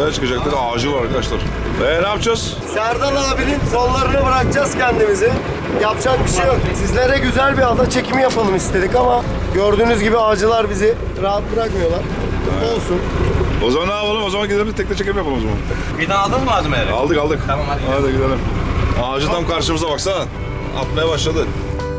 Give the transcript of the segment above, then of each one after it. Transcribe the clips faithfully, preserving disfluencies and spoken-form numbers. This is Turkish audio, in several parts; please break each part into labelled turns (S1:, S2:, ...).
S1: Oraya çıkacaktık. Ağacı var arkadaşlar. Ee ne yapacağız?
S2: Serdal abinin kollarını bırakacağız kendimizi. Yapacak bir şey yok. Sizlere güzel bir ada çekimi yapalım istedik ama gördüğünüz gibi ağacılar bizi rahat bırakmıyorlar. Olsun.
S1: O zaman ne yapalım? O zaman gidelim tekne çekim yapalım o zaman.
S3: Birden aldın mı malzemeleri?
S1: Aldık aldık.
S3: Tamam, hadi gidelim.
S1: Hadi gidelim. Ağacı tam karşımıza baksana. Atmaya başladı.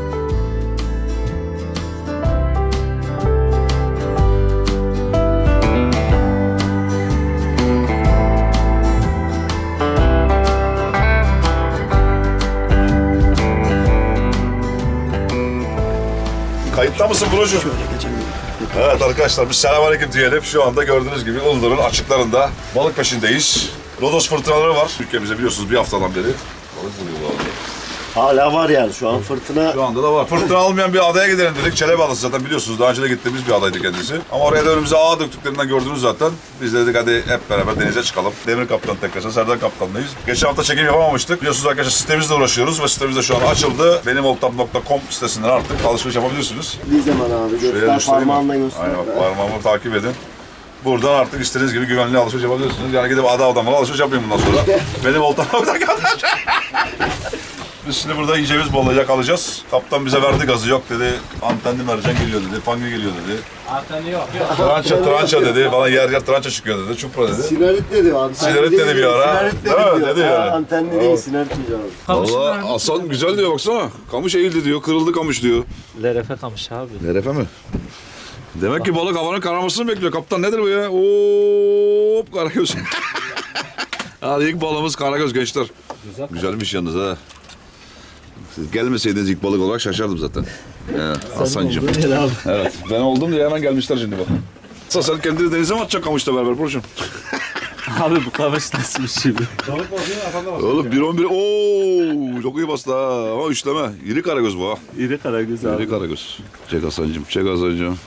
S1: Kayıtta mısın brocum? Evet arkadaşlar biz selamünaleyküm diyelim. Şu anda gördüğünüz gibi Uludur'un açıklarında balık peşindeyiz. Lodos fırtınaları var. Ülkemizde biliyorsunuz bir haftadan beri. Balık buluyorlar.
S2: Hala var yani şu an fırtına.
S1: Şu anda da var. Fırtına almayan bir adaya gidelim dedik. Çelebi Adası zaten biliyorsunuz. Daha önce de gittiğimiz bir adaydı kendisi. Ama oraya da önümüze ağ döktüklerinden gördünüz zaten. Biz de dedik hadi hep beraber denize çıkalım. Demir Kaptan tekrar, Serdar Kaptan'dayız. Geçen hafta çekim yapamamıştık. Biliyorsunuz arkadaşlar sitemizle uğraşıyoruz ve sitemizde şu an açıldı. benimoltam nokta com sitesinden artık alışveriş yapabiliyorsunuz.
S2: Bir zaman abi
S1: Şuraya
S2: göster
S1: göstereyim mi?
S2: parmağınla göster.
S1: Aynen bak parmağımı takip edin. Buradan artık istediğiniz gibi güvenli alışveriş yapabiliyorsunuz. Yani gidip ada adamla alışveriş yapayım bundan sonra. benimoltam nokta com Biz şimdi burada iyice biz balığı yakalayacağız. Kaptan bize verdi gazı. Yok dedi, antenli mercan geliyor dedi, pangi geliyor dedi.
S3: Anteni yok. Yok.
S1: Trança, trança dedi. Bana yer yer trança çıkıyor dedi. Çupra dedi.
S2: Sinarit dedi. Antenli
S1: Sinarit
S2: değil,
S1: dedi bir ara.
S2: Sinarit dedi,
S1: Değil mi?
S2: diyor.
S1: Dedi
S2: Ha,
S1: yani.
S2: Antenli değil, sinarit diyeceğim.
S1: Valla Hasan güzel diyor baksana. Kamış eğildi diyor, kırıldı kamış diyor.
S4: Lerefe kamış abi.
S1: Lerefe mi? Demek ki balık havanın kararmasını bekliyor. Kaptan nedir bu ya? Hop karagöz. Hadi ilk balığımız karagöz gençler.
S4: Güzel.
S1: Güzelmiş yalnız ha. Siz gelmeseydiniz ilk balık olarak şaşardım zaten. Ya, Hasan'cığım. Evet, ben oldum diye hemen gelmişler şimdi bak. Hasan sen kendini denize mi atacaksın kamışla beraber Burcu'm?
S4: Abi bu kamış nasıl bir şey?
S1: Oğlum bir on bir ooo çok iyi bastı ha ama üçleme. İri karagöz bu ha.
S4: İri karagöz abi.
S1: İri karagöz. Çek Hasan'cığım, çek Hasan'cığım.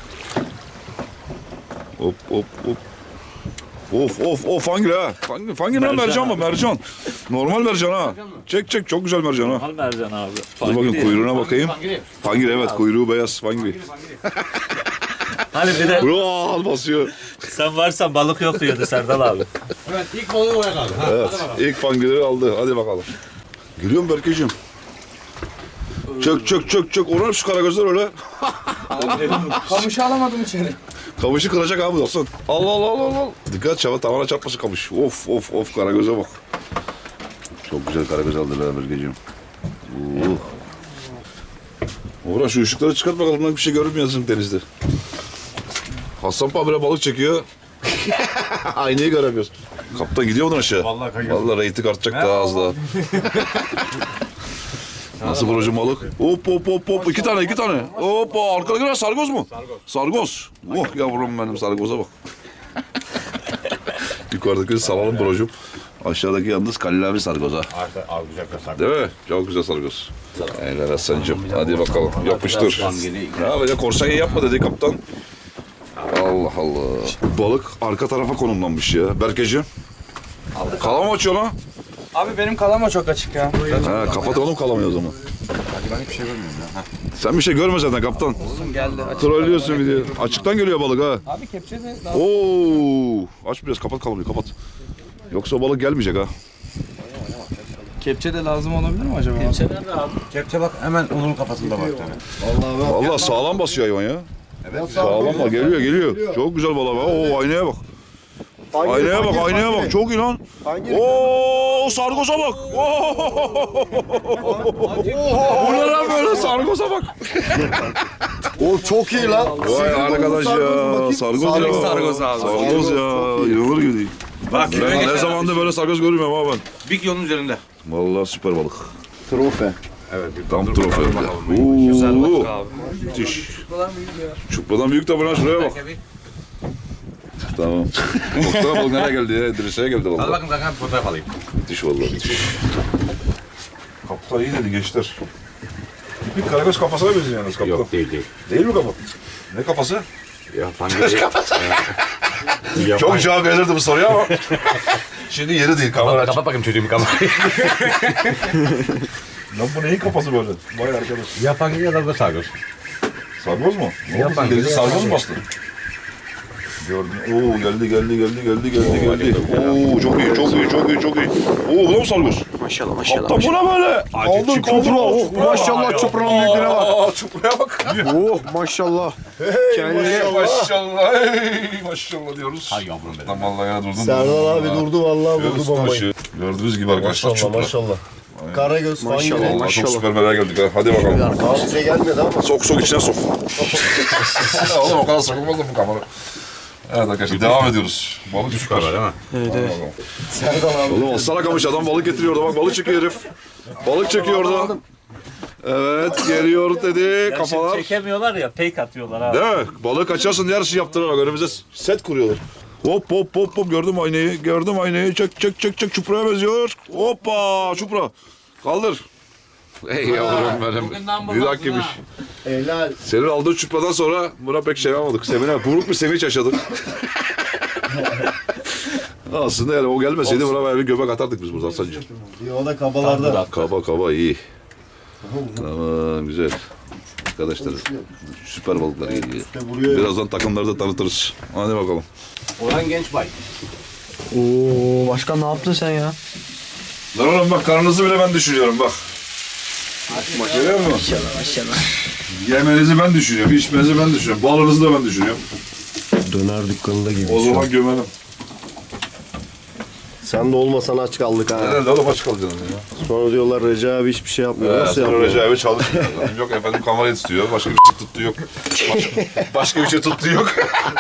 S1: Hop hop hop. Of of of hangi ha? Hangi, hangi mercan, mercan mı? Mercan. Normal mercan ha. Çek çek çok güzel mercan ha.
S4: Normal mercan abi.
S1: Dur bakayım kuyruğuna bakayım. Fangiri evet kuyruğu beyaz fangiri.
S4: Hani bir de
S1: Ulan basıyor.
S4: sen varsan balık yok diyordu Serdal abi.
S3: Evet ilk balığı oraya kaldı. Ha,
S1: Evet ilk fangiri aldı. Hadi bakalım. Geliyor mu Berkeciğim? Çök çök çök çök. Orar şu karagözler öyle.
S3: Kamışı alamadım içeri.
S1: Kamışı kıracak abi olsun. Allah Allah Allah Allah. Dikkat çava tavana çarpması kamış. Of of of karagöze bak. Çok güzel karagöz aldı be Berkeciğim. Uh. Uğraş şu ışıkları çıkart bakalım lan bir şey görünmüyorsun denizde. Hasan Pamire balık çekiyor. Aynayı göremiyoruz. Kaptan gidiyor mu aşağı?
S3: Vallahi kayıyor.
S1: Vallahi reyting artacak daha az daha. Nasıl brocum balık? Hop hop hop hop iki tane iki tane. Hoppa arkada giren sargoz mu? Sargoz. Sargoz. Oh yavrum benim sargoza bak. Yukarıdaki salalım brocum. Aşağıdaki yalnız Kalil abi sargoza.
S3: Al güzel kasak.
S1: Değil mi? Çok güzel sargoz. Eyvallah Hasan'cığım. Hadi bakalım yapıştır. Ne yapacak? Korsan yapma dedi kaptan. Allah Allah. Balık arka tarafa konumlanmış ya. Berkeciğim. Kalama açıyor lan.
S3: Abi benim kalama çok açık ya.
S1: Ha, kapat oğlum kalamayı o zaman.
S3: Ben hiçbir şey görmüyorum ya.
S1: Sen bir şey görme zaten kaptan.
S3: Uzun geldi. Açık.
S1: Trollüyorsun bir de. Açıktan geliyor balık ha.
S3: Abi kepçe de daha...
S1: Oo! Aç biraz kapat kalamayı kapat. Yoksa balık gelmeyecek ha.
S3: Kepçe de lazım olabilir mi acaba?
S4: Kepçe nerede abi?
S3: Kepçe bak hemen onun kafasında bak.
S1: Vallahi sağlam basıyor hayvan ya. Evet. Sağlam bak geliyor geliyor. Çok güzel balık. Oo aynaya bak. Aynaya bak, aynaya bak. Çok iyi lan. Oo, sargoza bak. Bu ne lan böyle sargoza bak.
S2: O çok iyi lan.
S1: Vay arkadaş ya. Sargoz ya.
S3: sargoz abi.
S1: Sargoz ya. İnanılır gibi değil.
S3: Bak
S1: Ben ne zamandır böyle sargoz görmüyorum abi ben.
S3: bir kilonun üzerinde.
S1: Vallahi süper balık.
S2: Trofe.
S3: Evet.
S1: Tam trofe.
S3: Güzel balık
S1: Oo.
S3: abi.
S1: Müthiş. Çupradan büyük tabi lan şuraya bak. Tamam. Baksana balık nereye geldi ya? Dirseğe geldi
S3: Hadi
S1: vallahi.
S3: bakın kanka bir fotoğraf alayım.
S1: Müthiş vallahi müthiş. Kaptan iyi dedi gençler. Bir karagöz kafasına benziyor yalnız kaptan.
S3: Yok değil değil.
S1: Değil mi kafa? Ne kafası?
S3: Ya fangiri.
S1: Çok cevap verirdi bu soruya ama. Şimdi yeri değil kamera aç.
S3: Kapat bakayım çocuğum kamerayı.
S1: Lan bu neyin kafası böyle? Vay arkadaş.
S3: Ya fangiri ya da sargoz.
S1: Sargoz mu? Ne
S3: Yapan
S1: oldu? Denize
S3: gibi
S1: sargoz
S3: yapan
S1: mu bastı? Gördüm. Oo geldi geldi geldi geldi geldi geldi. Oo çok iyi çok iyi çok iyi çok iyi. Oo bu da mı sargos?
S2: Maşallah maşallah.
S1: Kaptan bu ne böyle?
S2: Aldın çupra. Oh, maşallah çupranın büyüklüğüne bak.
S1: Aa, çupraya bak.
S2: Oh maşallah. Kendine
S1: Maşallah. Hey, maşallah diyoruz. Hay yavrum benim. Tam vallahi ya durdun.
S2: Serdal abi durdu vallahi vurdu
S1: Göğüs
S2: bombayı.
S1: başı. Gördüğünüz gibi arkadaşlar
S2: Maşallah
S1: çupra.
S2: maşallah. Karagöz falan gibi.
S1: Vallahi çok süper merak geldik ha. Hadi bakalım.
S2: Abi bize gelmedi ama.
S1: Sok sok içine sok. Ya oğlum o kadar sokulmaz da bu kamera. Evet arkadaşlar devam ediyoruz. Balık süper değil mi? Evet evet.
S2: Serdal abi.
S1: Oğlum aslan kamış adam balık getiriyor orada bak balık çekiyor herif. Balık çekiyor orada. Evet geliyor dedi
S4: Ya şimdi
S1: kafalar.
S4: çekemiyorlar ya fake atıyorlar abi.
S1: Değil mi? Balığı kaçarsın diye her şey yaptılar bak önümüze set kuruyorlar. Hop hop hop hop gördüm aynayı gördüm aynayı çek çek çek çek çupraya benziyor. Hoppa çupra. Kaldır. Ey yavrum benim. Bir dakikaymış.
S2: Helal.
S1: Senin aldığın çupradan sonra buna pek şey yapamadık. Semine buruk bir sevinç yaşadık. Aslında yani o gelmeseydi buna böyle bir göbek atardık biz buradan sadece.
S2: O da kabalarda.
S1: Kaba kaba iyi. Tamam güzel. Arkadaşlar süper balıklar geliyor.
S2: vuruyor.
S1: Birazdan takımları da tanıtırız. Hadi bakalım.
S5: Orhan Gençbay.
S3: Oo başkan ne yaptın sen ya?
S1: Lan oğlum bak karnınızı bile ben düşünüyorum bak. Bak görüyor musun?
S3: Maşallah maşallah.
S1: Yemenizi ben düşünüyorum, içmenizi ben düşünüyorum. Balınızı da ben düşünüyorum.
S2: Döner dükkanında gibi.
S1: O zaman gömelim.
S2: Sen de olmasan aç kaldık ha.
S1: Herhalde oğlum aç kalacaksın ya.
S2: Sonra diyorlar Recep abi hiçbir şey yapmıyor.
S1: Ee,
S2: Nasıl
S1: sonra
S2: yapmıyor?
S1: Recep abi çalışmıyor. Yok efendim kamerayı tutuyor, başka bir şey tuttuğu yok. Başka, başka bir şey tuttuğu yok.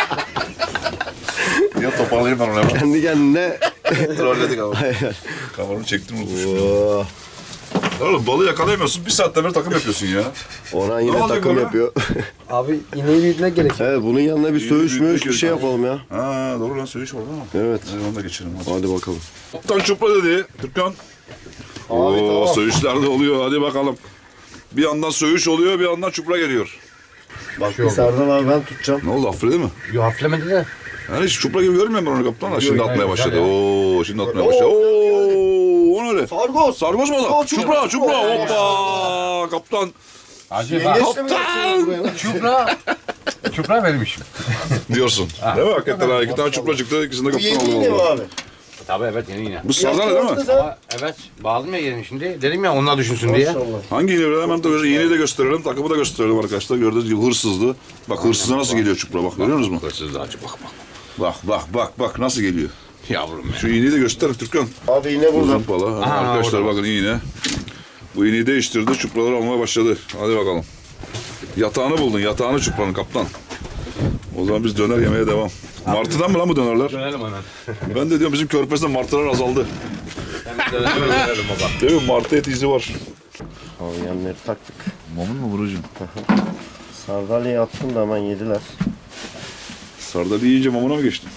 S1: Ya toparlayayım ben onu hemen.
S2: Kendi kendine.
S1: Trolledik abi. Kameramı çektim unutmuşum.
S2: Oo.
S1: Oğlum balığı yakalayamıyorsun, bir saatten beri takım yapıyorsun ya.
S2: Orhan yine
S1: Ne olacak
S2: takım
S1: ona?
S2: yapıyor.
S3: Abi ineği büyütmek gerek.
S2: Evet bunun yanına bir söğüş
S1: büyütmek
S2: möğüş bir şey
S1: gerekiyor.
S2: yapalım ya.
S1: Ha doğru lan söyleyiş var değil mi?
S2: Evet.
S1: Hadi onu da geçelim hadi.
S2: Hadi bakalım.
S1: Kaptan çupra dedi Türkan. Oo,
S2: tamam.
S1: söğüşler de oluyor hadi bakalım. Bir yandan söğüş oluyor bir yandan çupra geliyor.
S2: Bak bir Serdal abi ben tutacağım.
S1: Ne oldu affedin mi?
S5: Yo hafiflemedi de.
S1: Yani hiç çupra gibi görmüyorum ben onu kaptan da şimdi
S5: Yok,
S1: atmaya
S5: hayır,
S1: başladı.
S5: güzel
S1: Oo şimdi atmaya başladı. Oo o ne öyle?
S2: Sargoz.
S1: Sargoz mu o da? Çupra çupra hoppa kaptan.
S5: Hacı bak.
S2: Yengeçle mi yapıyorsunuz buraya lan?
S5: Çupra. Çupra vermişim.
S1: Diyorsun. Değil mi hakikaten ha? İki tane çupra çıktı ikisini de
S2: Bu
S1: kaptan
S2: yeni yine mi
S1: aldı.
S2: abi?
S5: Tabii evet yeni yine.
S1: Bu sardalya değil mi?
S2: Yaptınız ha?
S5: Ama evet bağladım ya yerini şimdi. Dedim ya onlar düşünsün diye.
S2: Maşallah.
S1: Hangi iğne öyle hemen de göster- iğneyi de gösterelim, takımı da gösterelim arkadaşlar. Gördüğünüz gibi hırsızdı. Bak hırsıza nasıl geliyor çupra bak görüyor musunuz?
S5: Hırsız hacı bak bak.
S1: Bak bak bak bak nasıl geliyor.
S5: Yavrum ya.
S1: Şu iğneyi de göster Türkan.
S2: Abi yine burada.
S1: Uzun pala.
S5: Aha,
S1: Arkadaşlar
S5: orada.
S1: bakın iğne. Bu iğneyi değiştirdi, çupraları almaya başladı. Hadi bakalım. Yatağını buldun, yatağını çupranın kaptan. O zaman biz döner yemeye devam. Martıdan mı lan bu dönerler?
S5: Dönelim hemen.
S1: Ben de diyorum bizim körpezde martılar azaldı.
S5: Dönelim dönelim baba.
S1: Değil mi? Martı eti izi var.
S2: Abi yanları taktık.
S1: Mamun mu Burucuğum?
S2: Sardalya'yı attım da hemen yediler.
S1: Sardalya yiyince mamuna mı geçtin?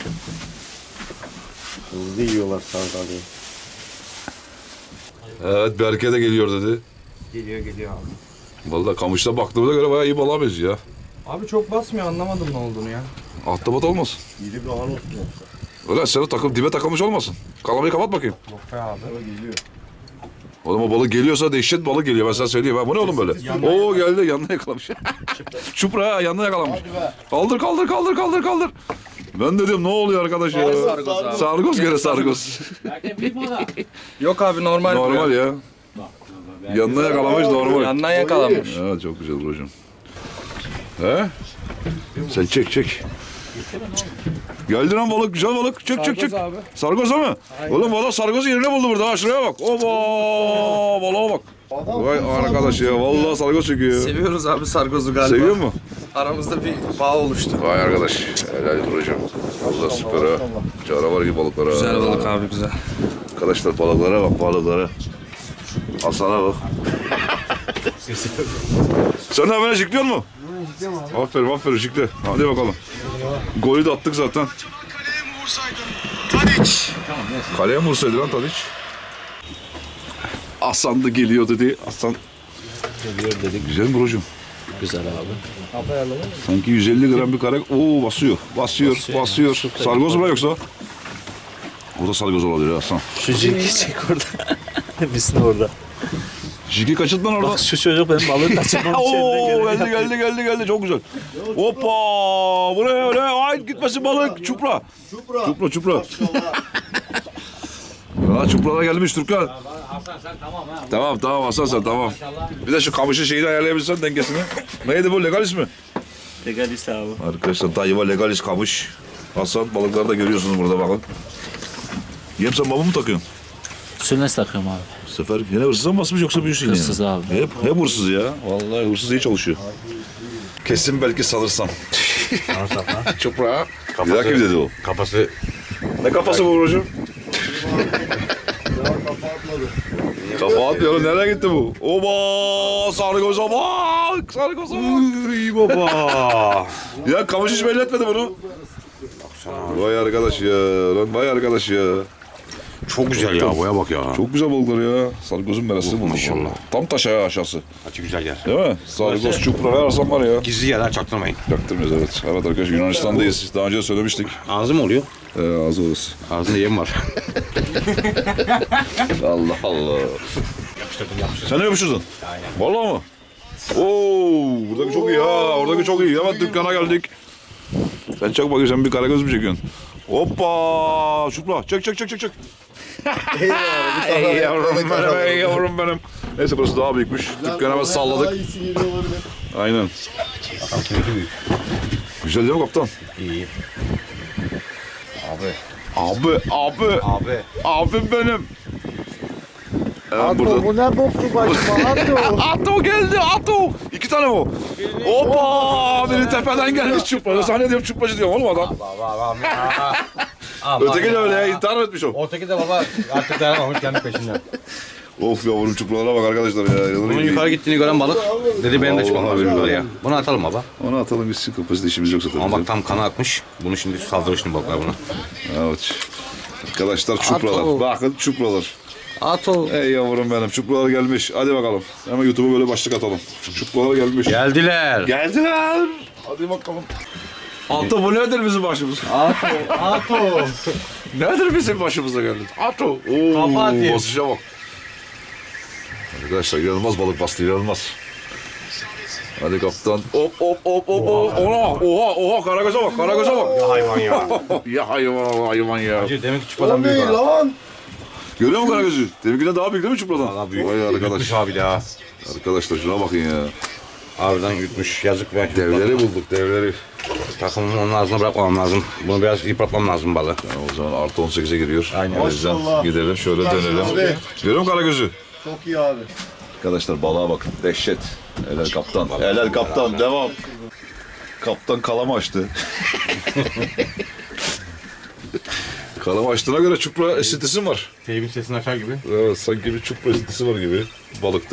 S2: Hızlı yiyorlar sardalyayı.
S1: Evet Berke de geliyor dedi.
S3: Geliyor geliyor abi.
S1: Vallahi kamışta baktığımıza göre bayağı iyi balığa benziyor ya.
S3: Abi çok basmıyor anlamadım ne olduğunu ya.
S1: Ahtapot olmasın.
S2: İri bir an olsun.
S1: Öyle sen o takım dibe takılmış olmasın. Kalamayı kapat bakayım.
S3: Yok be abi.
S1: Oğlum o balık geliyorsa dehşet balık geliyor ben sana söyleyeyim. Ha. Bu ne oğlum böyle? Oo geldi yanına yakalamış. Çupra ha yanına yakalamış. Kaldır kaldır kaldır kaldır kaldır. Ben de diyorum ne oluyor arkadaş ya?
S3: Sargoz abi.
S1: Sargoz gene sargoz.
S3: Yok abi normal.
S1: Normal ya. Yanına yakalamış normal.
S3: Yandan yakalamış.
S1: Evet çok güzel hocam. He? Sen çek çek. Geldi lan balık güzel balık. Çek çek çek.
S3: abi.
S1: Sargoz mu? Oğlum valla sargozu yerine buldu burada. Ha şuraya bak. Oba balığa bak. Vay arkadaş ya vallahi sargoz çekiyor.
S3: Seviyoruz abi sargozu galiba.
S1: Seviyor mu?
S3: Aramızda bir bağ oluştu.
S1: Vay arkadaş. Helal olsun hocam. Vallahi süper ha. Canavar gibi balıklar ha.
S3: Güzel balık abi güzel.
S1: Arkadaşlar balıklara bak balıklara. Asana bak. Sen de hemen jikliyor mu? Aferin aferin jikle. Hadi bakalım. Golü de attık zaten. Kaleye mi vursaydı lan Tadiç? Hasan da geliyor dedi. Hasan
S5: Geliyor dedik.
S1: güzel mi brocum?
S5: Güzel abi.
S1: Sanki yüz elli gram bir kare. Oo basıyor. Basıyor. Basıyor. Sargoz mu yoksa? O da sargoz olabilir Hasan.
S4: Şu cingi çek orada. Biz de orada.
S1: Jiki kaçırdın lan oradan.
S4: Bak şu çocuk benim balığı kaçırmam için
S1: Oo
S4: elinden
S1: geldi
S4: geleni
S1: geldi geldi geldi çok güzel. Hoppa buraya öyle ay gitmesin balık çupra.
S2: Çupra.
S1: Çupra çupra. Ya çupralar gelmiş Türkan.
S5: Hasan sen tamam ha.
S1: Tamam tamam Hasan sen tamam. Bir de şu kamışın şeyini ayarlayabilirsen dengesini. Neydi bu legal ismi?
S4: Legalis abi.
S1: Arkadaşlar Dayıva legalis kamış. Hasan balıkları da görüyorsunuz burada bakın. Yem sen baba mı takıyorsun?
S4: Sülnes takıyorum abi.
S1: Bu sefer yine hırsıza mı basmış yoksa büyüsün yine?
S4: Hırsız abi.
S1: Hep, hep hırsız ya. Vallahi hırsız iyi çalışıyor. Kesin belki salırsam. Çupra. Bir dakika bir dedi o.
S5: Kafası
S1: Ne kafası bu hocam? Kafa atmıyor. Nereye gitti bu? Oba! Sarı göze bak! Sarı göze bak!
S5: iyi baba.
S1: Ya kamış hiç belli etmedi bunu. Vay arkadaş ya. Lan vay arkadaş ya.
S5: Çok güzel ya, boya bak ya.
S1: Çok güzel balıklar ya. Sarı gözün merası
S5: Oh,
S1: bulduk.
S5: maşallah.
S1: vallahi. Tam taş ayağı aşağısı.
S5: Açı güzel yer.
S1: Değil mi? Sarı göz çupra her arasam var ya.
S5: Gizli yer ha, çaktırmayın.
S1: Yaktırmıyoruz evet. Evet arkadaşlar Yunanistan'dayız. Daha önce de söylemiştik.
S5: Ağzı mı oluyor?
S1: Ee, ağzı orası.
S5: Ağzında yem var.
S1: Allah Allah.
S5: Yapıştırdım yapıştırdım.
S1: Sen ne yapıştırdın? Aynen. Vallahi mı? Oo, buradaki çok iyi ha. Oradaki çok iyi. Hemen dükkana geldik. Sen çek bakayım sen bir karagöz mü çekiyorsun? Hoppa! Şupla. Çek çek çek çek çek. Ey yavrum benim, ey yavrum benim. Neyse burası daha büyükmüş. Dükkanı hemen salladık.
S2: Daha iyisi geliyor olabilir.
S1: Aynen. Güzel değil mi kaptan?
S5: İyi.
S1: Abi, abi,
S5: Abi.
S1: abim benim. Evet, burada.
S2: Bu ne boktu başıma? Ato.
S1: Ato geldi, Ato. İki tane bu. Hoppa! Biri tepeden gelmiş çupracı. Sana ne diyorum çupracı diyorum oğlum adam.
S5: Baba
S1: Öteki de öyle ya, intihar mı etmiş o?
S5: Ortaki de baba artık dayanamamış, kendi peşinden.
S1: Of yavrum çupralara bak arkadaşlar ya.
S5: Bunun yukarı gittiğini gören balık dedi benim de çıkmam
S1: Vallahi
S5: lazım
S1: billahi.
S5: yukarıya. Bunu atalım baba.
S1: Onu atalım gitsin kapasite işimiz yoksa tabii.
S5: Ama bak tam kanı akmış. Bunu şimdi saldırır şimdi balıklar buna.
S1: Evet. Arkadaşlar çupralar.
S5: Ato.
S1: Bakın çupralar.
S5: Ato.
S1: Ey yavrum benim çupralar gelmiş. Hadi bakalım. Hemen YouTube'a böyle başlık atalım. Çupralar gelmiş.
S5: Geldiler.
S1: Geldiler. Hadi bakalım. Ato bu nedir bizim başımız?
S5: Ato. Ato.
S1: Nedir bizim başımıza geldi? Ato. Oo,
S5: Kafa atayım.
S1: basışa bak. Arkadaşlar inanılmaz balık bastı inanılmaz. Hadi kaptan. Hop hop hop hop. hop. Oha oha oha karagöze bak karagöze bak.
S5: Ya hayvan ya.
S1: Ya hayvan hayvan ya.
S5: Demek ki
S2: O
S5: çupadan büyük
S2: ne
S5: ha.
S2: lan?
S1: Görüyor musun karagözü? Deminkinden daha büyük değil mi çupradan?
S5: Valla büyük.
S1: Vay arkadaş.
S5: Yutmuş abi ya.
S1: Arkadaşlar şuna bakın ya.
S5: Harbiden yutmuş. Yazık be.
S1: Devleri bulduk devleri.
S5: Takımımı onun ağzına bırakmam lazım. Bunu biraz yıpratmam lazım balığı.
S1: Yani o zaman artı on sekize giriyor.
S5: Aynen.
S1: O yüzden
S2: Maşallah.
S1: gidelim şöyle dönelim.
S2: Abi.
S1: Görüyor musun karagözü?
S2: Çok iyi abi.
S1: Arkadaşlar balığa bakın. Dehşet. Helal kaptan. Helal kaptan. Devam. Kaptan kalama açtı. Kalama açtığına göre çupra esintisi var.
S5: Teybin sesini açar gibi.
S1: Evet sanki bir çupra esintisi var gibi balıkta.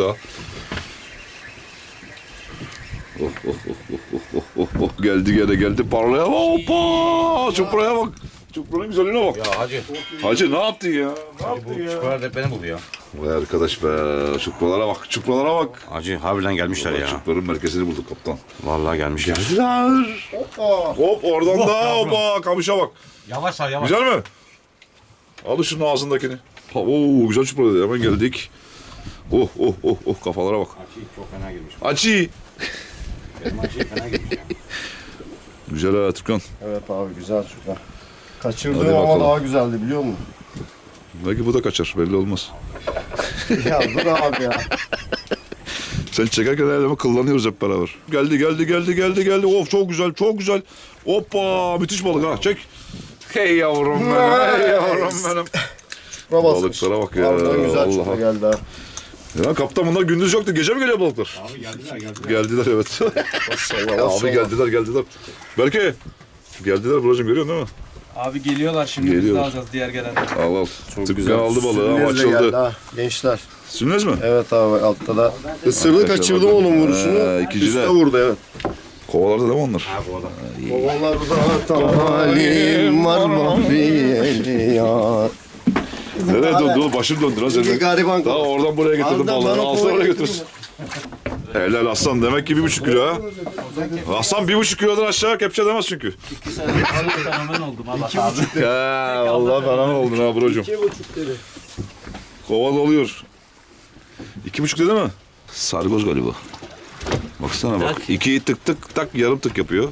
S1: Oh, oh, oh, oh, oh, oh, oh. Geldi gene geldi parlaya bak. Hoppa! Çupraya bak. Çupranın güzelliğine bak.
S5: Ya hacı.
S1: Hacı ne yaptın ya? Ne yaptın
S5: Bu
S1: ya?
S5: çupalar da beni buluyor.
S1: Vay arkadaş be. Çupralara bak. Çupralara bak.
S5: Hacı harbiden gelmişler ya.
S1: Çupranın merkezini bulduk kaptan.
S5: Vallahi gelmişler.
S1: Güzel.
S2: Hoppa.
S1: Hop oradan da hoppa kamışa bak.
S5: Yavaş abi yavaş.
S1: Güzel mi? Al şunun ağzındakini. Ha, oo güzel çupra dedi. Hemen geldik. Oh oh oh oh kafalara bak.
S5: Açı çok fena girmiş.
S1: Açı.
S5: Benim açı fena girmiş ya.
S1: Güzel ha Türkan.
S2: Evet abi güzel çupra.
S1: Hadi
S2: Kaçırdığım ama
S1: bakalım.
S2: daha güzeldi biliyor musun?
S1: Belki bu da kaçar belli olmaz.
S2: Ya dur abi ya.
S1: Sen çekerken elime kıllanıyoruz hep beraber. Geldi geldi geldi geldi geldi. Of çok güzel çok güzel. Hoppa müthiş balık ha çek. Hey yavrum benim hey yavrum benim.
S2: Çupra basmış.
S1: Balıklara bak ya,
S2: Harbiden güzel çupra
S1: Allah'a.
S2: geldi ha.
S1: Ya kaptan bunlar gündüz yoktu gece mi geliyor balıklar?
S5: Abi geldiler geldiler.
S1: Geldiler evet.
S2: Maşallah
S1: Ya abi
S2: maşallah.
S1: geldiler geldiler. Belki geldiler Buracığım görüyorsun değil mi?
S3: Abi geliyorlar şimdi biz
S1: Geliyorlar.
S3: de alacağız diğer gelenleri.
S1: Al al. Tükkan aldı balığı ama
S2: Sürünezle geldi
S1: açıldı.
S2: ha, gençler.
S1: Sünnes mi?
S2: Evet abi altta da. Isırdı kaçırdım onun vuruşunu.
S1: Ee, ikinci de.
S2: Üste vurdu evet.
S1: Kovalarda değil mi onlar?
S5: Ha bu adam.
S2: Babalarda talim var mahviyeli ya.
S1: Nereye döndü oğlum? Başım döndü lan
S2: İki
S1: senin.
S2: gariban
S1: Daha
S2: kaldı.
S1: oradan buraya getirdim
S2: Harbiden
S1: balığı.
S2: bana
S1: Alsana
S2: kolay
S1: oraya
S2: getirdim
S1: götürsün. Helal aslan demek ki bir buçuk kilo ha. Aslan bir buçuk kilodan aşağı kepçe demez çünkü.
S4: İki sene balık fenomen oldum Allah abi.
S1: Ya Allah falan oldun ha brocum.
S2: İki buçuk dedi.
S1: Kova doluyor. İki buçuk dedi mi? Sargoz galiba. Baksana bak. İkiyi tık tık tak yarım tık yapıyor.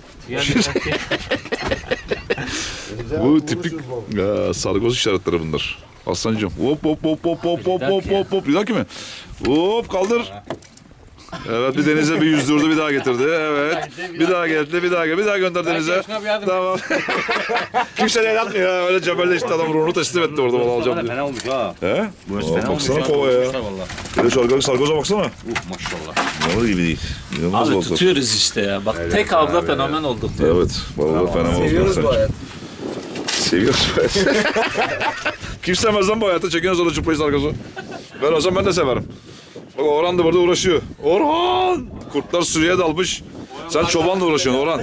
S1: Bu tipik ya, sargoz işaretleri bunlar. Aslancığım. Hop hop hop hop hop hop hop hop hop. Bir dahaki mi? Hop kaldır. Evet bir denize bir yüzdürdü bir daha getirdi. Evet. Bir daha geldi bir daha geldi. Bir daha gönder denize. Tamam. Kimse de el atmıyor ya. Öyle cebelleşti adam ruhunu teslim etti orada bana alacağım diye.
S5: Fena olmuş ha.
S1: He?
S5: Bu
S1: Aa,
S5: fena olmuş
S1: baksana kova ya. Bir de sargoz, sargoza baksana.
S5: Uh, maşallah.
S1: Ne gibi değil. İnanılmaz
S4: Abi
S1: balıklar.
S4: tutuyoruz işte ya. Bak tek avda fenomen olduk diyor.
S1: Evet. Balıklar fena olmaz.
S2: Seviyoruz bu hayatı.
S1: Seviyoruz bu hayatı. Kim sevmez lan bu hayatı? Çekiyoruz orada çıplayı sargozu. Ben olsam ben de severim. Bak Orhan da burada uğraşıyor. Orhan! Kurtlar sürüye dalmış. Sen çobanla uğraşıyorsun Orhan.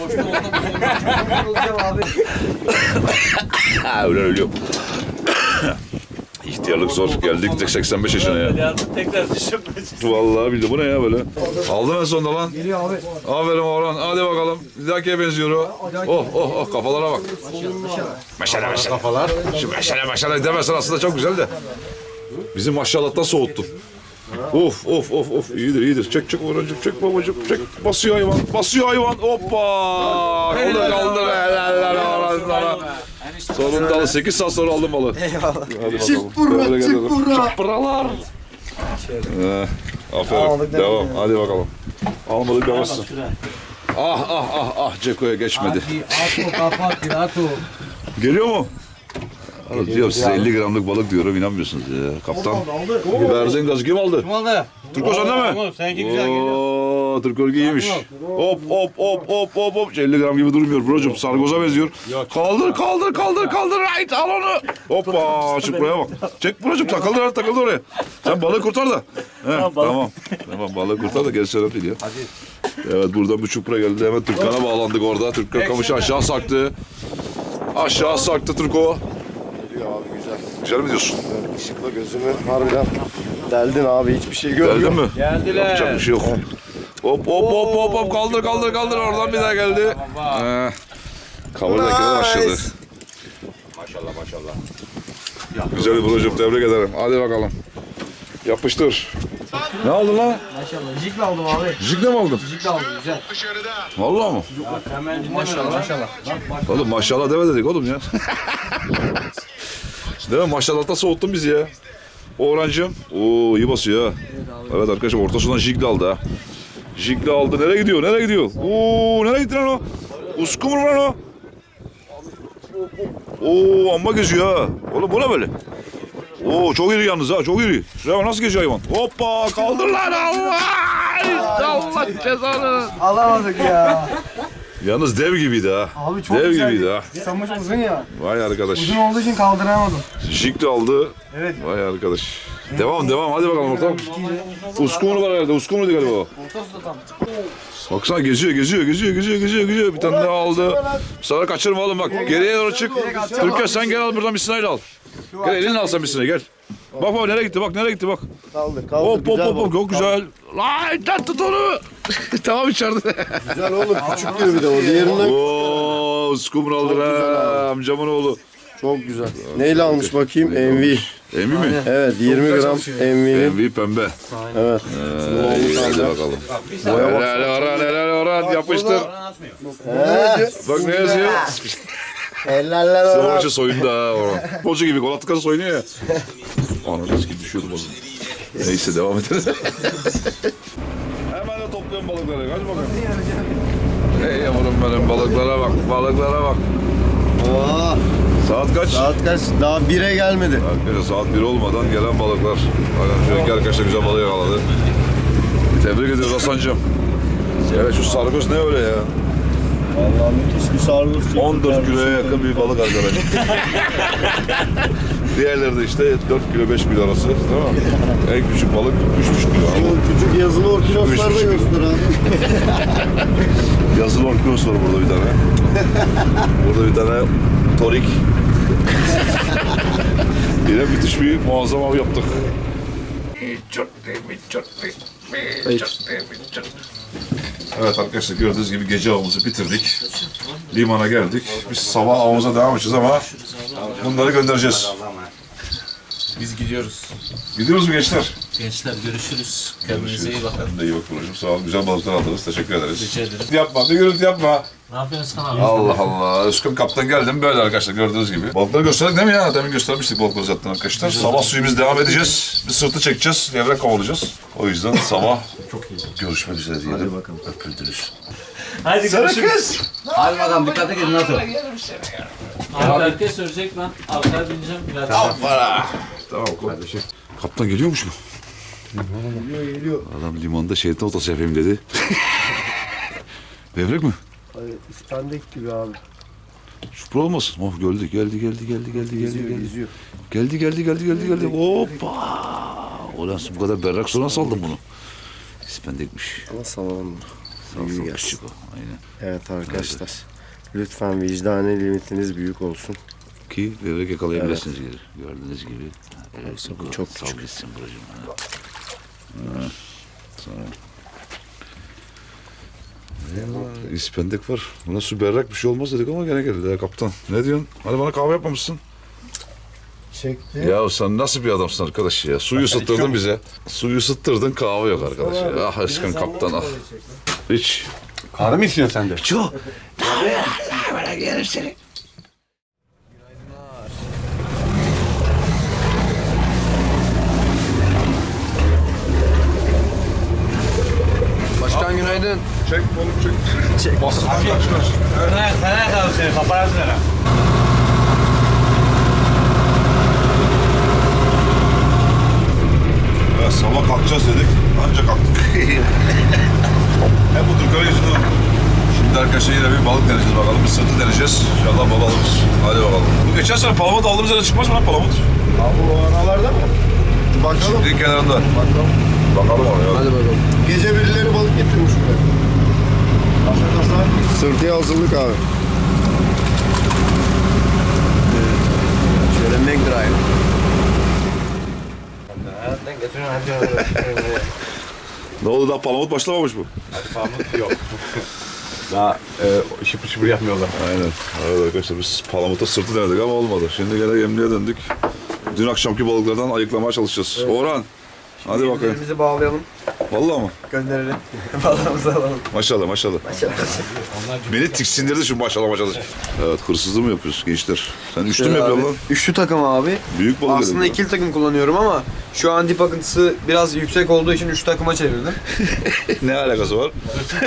S1: Öyle ölüyor. İhtiyarlık zor. Geldik seksen beş yaşına ya.
S4: Yardım tekrar düşünmeyeceğiz.
S1: Vallahi bildi. Bu ne ya böyle? Aldım en sonunda lan. Geliyor abi. Aferin Orhan. Hadi bakalım. Bir dahakiye benziyor o. Oh oh oh kafalara bak. Maşallah maşallah. Kafalar. Şu maşallah maşallah demezsen aslında çok güzel de. Bizi maşallah'tan soğuttun. Of of of of iyidir iyidir. Çek çek Orhan'cığım çek babacığım çek. Basıyor hayvan. Basıyor hayvan. Hoppa. O da kaldı. Helaller Orhan sana. Sonunda al. sekiz saat sonra aldım balı. Eyvallah.
S2: Çık burra çık burra.
S1: Buralar. Ee, aferin. Devam. Hadi bakalım. Almadık demezsin. Ah ah ah ah Ceko'ya geçmedi. Geliyor mu? Oğlum diyorum size elli gramlık balık diyorum inanmıyorsunuz ya. Kaptan. Verdiğin gazı kim aldı? Kim aldı? Turko sende mi? Seninki güzel geliyor. Turko iyiymiş. Hop hop hop hop hop hop. elli gram gibi durmuyor brocum. Sargoza benziyor. Kaldır kaldır kaldır kaldır. Right al onu. Hoppa çık buraya bak. Çek brocum takıldı takıldı oraya. Sen balığı kurtar da. He, tamam. Tamam balığı kurtar da gerisi önemli değil ya. Evet buradan bir çupra geldi. Hemen Türkkan'a bağlandık orada. Türkkan kamışı aşağı sarktı. Aşağı sarktı Turko.
S2: Abi güzel.
S1: Güzel mi diyorsun?
S2: Işıkla gözümü harbiden deldin abi hiçbir şey görmüyorum.
S1: Geldin mi? Geldiler. Yapacak bir şey yok. Hop hop hop hop hop kaldır kaldır kaldır oradan bir daha geldi. Ee, Kavurda nice. Başladı.
S5: Maşallah maşallah.
S1: Güzel bir brocum tebrik ederim. Hadi bakalım. Yapıştır. Ne aldın lan?
S3: Maşallah. Jig'le aldım abi.
S1: Jig'le mi aldın?
S3: Jig'le aldım güzel.
S1: Vallahi mı?
S3: Maşallah. Maşallah.
S1: Oğlum maşallah deme dedik oğlum ya. Değil mi? Maşallah'ta soğuttun bizi ya. Orhancığım. Oo iyi basıyor ha. Evet arkadaşlar ortasından jig'le aldı ha. Jig'le aldı. Nereye gidiyor? Nereye gidiyor? Oo nereye gitti lan o? Uskumur mu lan o? Oo amma geziyor ha. Oğlum bu ne böyle? Oo çok iri yalnız ha çok iri. Şuraya bak nasıl geziyor hayvan. Hoppa kaldır lan Allah. Allah cezanı.
S3: Alamadık ya.
S1: Yalnız dev gibiydi ha.
S3: Abi çok
S1: dev
S3: güzel.
S1: gibiydi ha.
S3: Samış uzun ya.
S1: Vay arkadaş.
S3: Uzun olduğu için kaldıramadım.
S1: Jig de aldı.
S3: Evet.
S1: Vay arkadaş. Devam devam hadi bakalım ortam. Uskumru var herhalde. Uskumru galiba o. Baksana geziyor geziyor geziyor geziyor geziyor geziyor. Bir tane daha aldı. Sana kaçırma oğlum bak. Geriye doğru çık. Türkan sen gel al buradan bir sineği al. Gel elini al sen bir sineği gel. Bak bak nereye gitti bak nereye gitti bak.
S2: Kaldır kaldır.
S1: Hop hop
S2: güzel
S1: hop hop
S2: balık.
S1: çok güzel. Lan lan tut onu. Tamam içeride.
S2: Güzel oğlum küçük diyor bir de o diğerinden.
S1: Oo uskumru aldı ha amcamın oğlu.
S2: Çok güzel. Neyle almış bakayım? M V.
S1: Emin mi?
S2: Evet yirmi gram M V'nin.
S1: M V pembe.
S2: Evet.
S1: Ee, hadi bakalım. Helal Orhan helal Orhan yapıştır. Bak ne yazıyor?
S2: Hellaller
S1: Sıra
S2: ona.
S1: maçı soyundu ha Orhan. Bolca gibi gol attıkça soyunuyor ya. Ananı gibi düşüyordu bazen. Neyse devam edelim. Hemen de topluyorum balıkları. Hadi bakalım. Hey yavrum benim balıklara bak. Balıklara bak.
S2: Aa,
S1: Saat kaç?
S2: saat kaç? Daha bire gelmedi.
S1: Arkadaşlar saat bir olmadan gelen balıklar. Bakın şu iki arkadaşlar güzel balık yakaladı. Tebrik ediyoruz Hasan'cığım. Evet şu sargoz ne öyle ya?
S2: Vallahi müthiş bir sarhoş.
S1: on dört kiloya yakın bir balık arkadaş. Diğerleri de işte dört kilo beş kilo arası değil mi? En küçük balık üç buçuk kilo.
S2: Bu küçük yazılı orkinoslar da göster abi.
S1: Yazılı orkinos var burada bir tane. Burada bir tane torik. Yine müthiş bir muazzam av yaptık. Evet arkadaşlar gördüğünüz gibi gece avımızı bitirdik. Limana geldik. Biz sabah avımıza devam edeceğiz ama bunları göndereceğiz.
S3: Biz gidiyoruz.
S1: Gidiyoruz mu gençler?
S4: Gençler görüşürüz. Kendinize iyi bakın.
S1: Sen de iyi bak Buracığım. Sağ ol. Güzel balıklar aldınız. Teşekkür ederiz.
S4: Rica ederim.
S1: Gürültü yapma. Bir gürültü yapma.
S4: Ne yapıyorsun sen abi?
S1: Allah Allah. Özkan kaptan geldim. Böyle arkadaşlar gördüğünüz gibi. Balıkları gösterdik değil mi ya? Demin göstermiştik balıkları zaten arkadaşlar. Sabah suyumuz devam edeceğiz. Bir sırtı çekeceğiz. Levrek kovalayacağız. O yüzden sabah çok iyi. Görüşmek üzere diyelim. Hadi bakalım. Öpüldürüz.
S4: Hadi görüşürüz.
S5: Hadi bakalım dikkat edin nasıl?
S4: Abi herkes söyleyecek, ben arkaya bineceğim. Geleceğim.
S1: Tamam kardeşim. Kaptan geliyormuş mu?
S2: Geliyor geliyor.
S1: Adam limanda şerit otası yapayım dedi. Levrek mi?
S2: Ay, İspendek gibi abi.
S1: Şupra olmasın. Oh geldi geldi geldi geldi geldi geldi
S2: Geziyor
S1: geldi.
S2: geziyor.
S1: Geldi geldi geldi geldi geldi. Hoppa. Ulan bu kadar berrak sonra saldım bunu. İspendekmiş.
S2: Ama salalım.
S1: Sağ
S2: İyi
S1: ol,
S2: gelsin.
S1: küçük o. Aynen.
S2: Evet arkadaşlar. Lütfen vicdani limitiniz büyük olsun.
S1: Ki levrek yakalayabilirsiniz geri. Gördüğünüz gibi. Helal olsun.
S2: Çok
S1: Sağ
S2: küçük.
S1: gitsin Buracığım. Ha. Ha. Sağ ol. Eyvallah, İspendek var. Buna su berrak bir şey olmaz dedik ama gene geldi ya kaptan. Ne diyorsun? Hadi bana kahve yapmamışsın.
S2: Çekti.
S1: Ya sen nasıl bir adamsın arkadaş ya? Suyu ısıttırdın bize. Suyu ısıttırdın kahve yok arkadaş ya. Ah aşkım kaptan ah. Hiç.
S5: Kahve mi istiyorsun sen de?
S1: Çok.
S3: Başkan günaydın.
S1: Çek oğlum çek. Çek. Basın kaç kaç.
S5: Nereye kaldı seni? Paparazzi nere?
S1: Ya sabah kalkacağız dedik. Anca kalktık. Hep bu Türkler yüzünden. Şimdi arkadaşlar yine bir balık deneyeceğiz bakalım. Bir sırtı deneyeceğiz. İnşallah baba alırız. Hadi bakalım. Bu geçen sene palamut aldığımız yere çıkmaz mı lan palamut?
S2: Abi o aralarda mı? Bakalım.
S1: Çiftliğin kenarında.
S2: Bakalım.
S1: Bakalım oraya.
S3: Hadi bakalım.
S2: Gece birileri balık getirmiş buraya. Kasa kasa. Sırtıya hazırlık abi.
S3: Şöyle McDrive.
S5: Nereden getiriyorsun? Hadi.
S1: Ne oldu daha palamut başlamamış mı?
S5: Pamuk yok. Daha e, şıpır şıpır yapmıyorlar.
S1: Aynen. Evet arkadaşlar biz palamuta sırtı denedik ama olmadı. Şimdi gene yemliğe döndük. Dün akşamki balıklardan ayıklamaya çalışacağız. Orhan. Hadi bakayım.
S3: Elimizi bağlayalım.
S1: Vallahi mı?
S3: Gönderelim. Balığımızı alalım.
S1: Maşallah maşallah. Beni tiksindirdi şu maşallah maşallah. Evet hırsızlığı mı yapıyorsun gençler? Sen üçlü mü yapıyorsun lan?
S3: Üçlü takım abi.
S1: Büyük balık
S3: Aslında
S1: dedim.
S3: ikili takım kullanıyorum ama şu an dip akıntısı biraz yüksek olduğu için üç takıma çevirdim.
S1: Ne alakası var?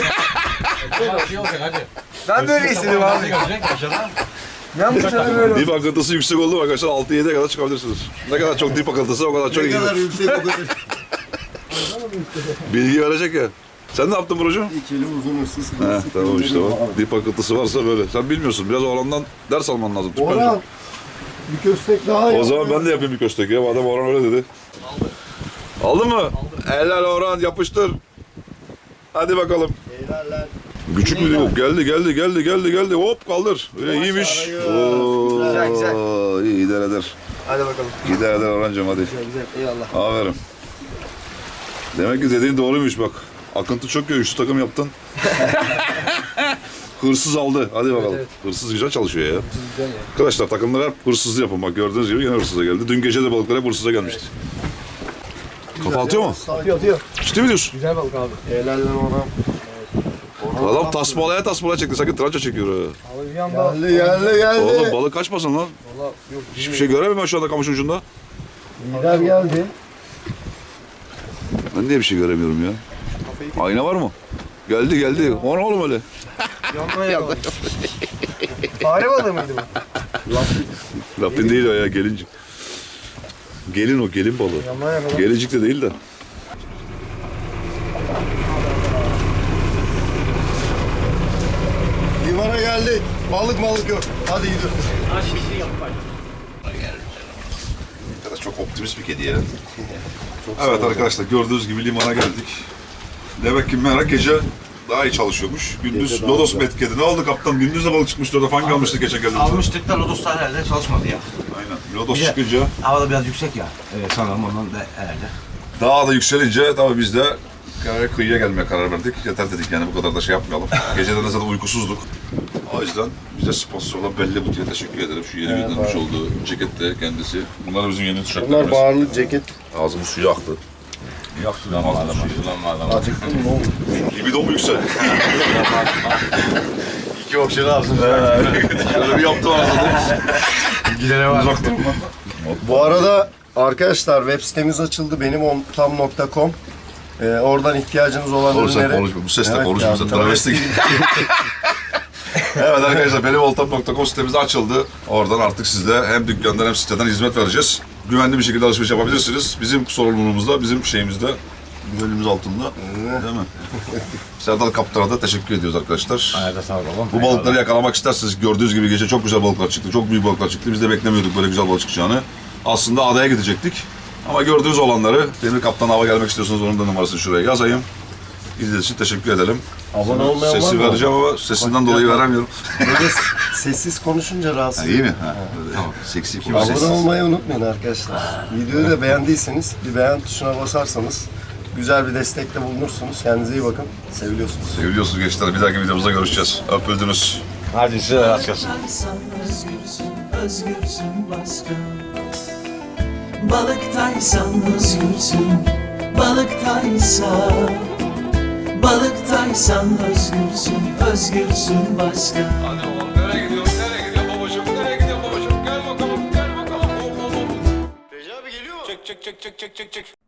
S3: Ben böyle istedim abi. Ben bu sene böyle
S1: Dip akıntısı yüksek oldu mu arkadaşlar altı yediye kadar çıkabilirsiniz. Ne kadar çok dip akıntısı o kadar çok
S2: Ne
S1: iyi.
S2: kadar yüksek o kadar.
S1: Bilgi verecek ya. Sen ne yaptın Burcu?
S2: İkili uzun hırsız.
S1: He tamam işte o. Dip akıntısı varsa böyle. Sen bilmiyorsun. Biraz Orhan'dan ders alman lazım. Türkmenci.
S2: Orhan. Bir köstek daha
S1: O
S2: yap.
S1: zaman ben de yapayım bir köstek ya. Madem Orhan öyle dedi. Aldım. Aldın mı? Aldım. Helal Orhan yapıştır. Hadi bakalım.
S2: Eyvallah.
S1: Küçük mü yok? Geldi geldi geldi geldi geldi. Hop kaldır. Öyle iyiymiş.
S2: arayız.
S1: Oo,
S3: Güzel, güzel.
S1: İyi gider eder.
S3: Hadi bakalım.
S1: Gider eder Orhan'cığım hadi.
S3: Güzel güzel. Eyvallah.
S1: Aferin. Demek ki dediğin doğruymuş bak. Akıntı çok ya. Üçlü takım yaptın. Hırsız aldı. Hadi bakalım.
S3: evet.
S1: Hırsız güzel çalışıyor ya.
S3: Güzel ya.
S1: Arkadaşlar takımlar hep hırsızlı yapın. Bak gördüğünüz gibi yine hırsıza geldi. Dün gece de balıklar hep hırsıza gelmişti. Kafa atıyor mu?
S3: Atıyor atıyor.
S1: Ciddi mi diyorsun?
S3: Güzel balık abi.
S2: Helal lan Orhan.
S1: Adam tasmalaya tasmalaya çekti. Sanki tranca çekiyor ha.
S3: Abi bir anda.
S2: Geldi geldi geldi.
S1: Oğlum balık kaçmasın lan.
S3: Valla yok.
S1: Hiçbir şey göremiyorum şu anda kamışın ucunda.
S2: Lider geldi.
S1: Ben niye bir şey göremiyorum ya? Ayna var mı? Geldi geldi. O ne oğlum öyle?
S3: Yandan yakalamış. Fare balığı mıydı bu?
S1: Lapin değil o ya gelincik. Gelin o gelin balığı.
S3: Yandan yakalamış.
S1: Gelincik de değil de.
S2: Divara geldik. Balık balık yok. Hadi gidiyoruz.
S1: Arkadaş çok optimist bir kedi ya. Evet arkadaşlar gördüğünüz gibi limana geldik. Demek ki Merak gece daha iyi çalışıyormuş. Gündüz
S2: Gece daha
S1: Lodos
S2: güzel.
S1: metkedi. Ne oldu kaptan? Gündüz de balık çıkmıştı orada. Fangi almıştık geçen geldiğimizde.
S5: Almıştık da Lodos'ta herhalde çalışmadı ya.
S1: Aynen. Lodos
S5: Bir de-
S1: çıkınca
S5: Havada biraz yüksek ya. Evet sanırım ondan da herhalde.
S1: daha da yükselince tabii biz de karar- kıyıya gelmeye karar verdik. Yeter dedik yani bu kadar da şey yapmayalım. Geceden de zaten uykusuzduk. O yüzden bize sponsor olan Belli Buti'ye teşekkür ederim. Şu yeni göndermiş olduğu cekette kendisi. Bunlar bizim yeni
S2: Bunlar
S1: tişörtlerimiz.
S2: bağırlı ceket.
S1: Ağzımız suyu aktı. Yok sulanma adamı.
S5: Sulanma adamı.
S2: Acıktın mı oğlum?
S1: Libidom yüksek.
S5: İki okşağı alsın.
S1: Şöyle bir yaptım arasında.
S5: Gidene var.
S1: Uzak durma.
S2: Bu arada arkadaşlar web sitemiz açıldı benim ontam nokta com. Ee, oradan ihtiyacınız olan
S1: Oğlum sen
S2: ürünleri...
S1: konuşma. Bu sesle
S2: Evet
S1: konuşma
S2: ya,
S1: sen.
S2: travesti.
S1: Travesti. Evet arkadaşlar benim oltam nokta com sitemiz açıldı. Oradan artık sizde hem dükkandan hem siteden hizmet vereceğiz. Güvenli bir şekilde alışveriş yapabilirsiniz. Bizim sorumluluğumuzda, bizim şeyimizde, güvenliğimiz altında. Değil mi? Serdar Kaptan'a da teşekkür ediyoruz arkadaşlar.
S5: Ayada sağ olun.
S1: Bu balıkları yakalamak isterseniz gördüğünüz gibi gece çok güzel balıklar çıktı. Çok büyük balıklar çıktı. Biz de beklemiyorduk böyle güzel balık çıkacağını. Aslında adaya gidecektik. Ama gördüğünüz olanları Demir Kaptan hava gelmek istiyorsanız onun da numarasını şuraya yazayım. İzlediğiniz için teşekkür ederim.
S2: Abone olmayan var
S1: Sesi
S2: mı?
S1: vereceğim ama sesinden dolayı veremiyorum.
S2: Böyle sessiz konuşunca rahatsız.
S1: İyi mi? Ha, böyle, tamam. Seksi kim?
S2: Abone olmayı unutmayın arkadaşlar. Videoyu da beğendiyseniz bir beğen tuşuna basarsanız güzel bir destekte bulunursunuz. Kendinize iyi bakın. Seviliyorsunuz.
S1: Seviliyorsunuz gençler. Bir dahaki videomuzda görüşeceğiz. Öpüldünüz.
S5: Hadi size de rast gelsin.
S6: Balıktaysan özgürsün, özgürsün başka. Balıktaysan özgürsün, balıktaysan. Balıktaysan özgürsün, özgürsün başka.
S1: Hadi oğlum nereye gidiyorsun? Nereye gidiyorsun babacığım? Nereye gidiyorsun babacığım? Gel bakalım, gel bakalım. Hop hop hop.
S2: Recep abi geliyor mu?
S1: Çek çek çek çek çek çek çek.